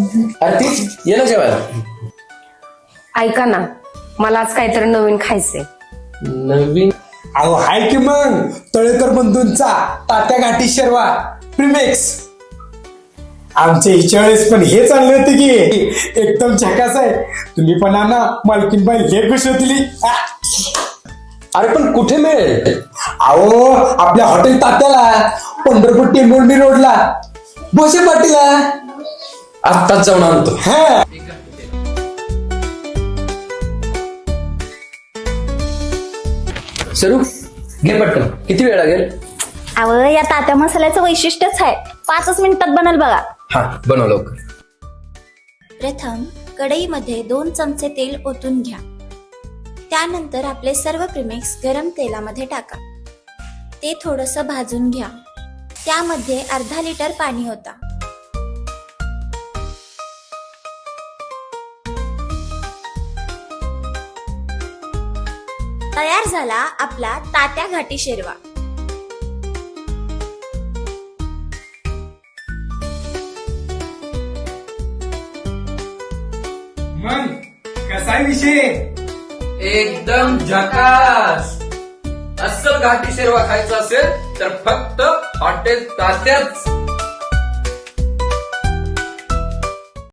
अरे तीच ये ना जेवायला. ऐका ना, मला आज काहीतरी नवीन खायचंय. नवीन अहो हाय की मग तळेकर बंधूंचा तात्या घाटी शेरवा प्रीमेक्स. आमच्या हिच्या वेळेस पण हेच आणले होते की एकदम झकास आहे. तुम्ही पण आणा, मालकीनबाई हे खुश होतील. अरे पण कुठे मिळेल? अहो आपल्या हॉटेल तात्याला, पंढरपूर टेंभुर्णी रोडला, भोसे पाटीला. आत्ताच जाऊन आणतो. हा सरू घे पटकन. किती वेळ लागेल? अव या तात्या मसाल्याचं वैशिष्ट्यच आहे, 5 मिनिटात बनल बघा. हा बनव लवकर. प्रथम कढईमध्ये 2 चमचे तेल ओतून घ्या. त्यानंतर आपले सर्व प्रीमिक्स गरम तेलामध्ये टाका. ते थोडंसं भाजून घ्या. त्यामध्ये अर्धा लिटर पाणी ओता. तयार झाला आपला तात्या घाटी शेरवा. मग कसा विषय? एकदम झकास. अस्सल घाटी शेरवा खायचा असेल तर फक्त हॉटेल तात्याच.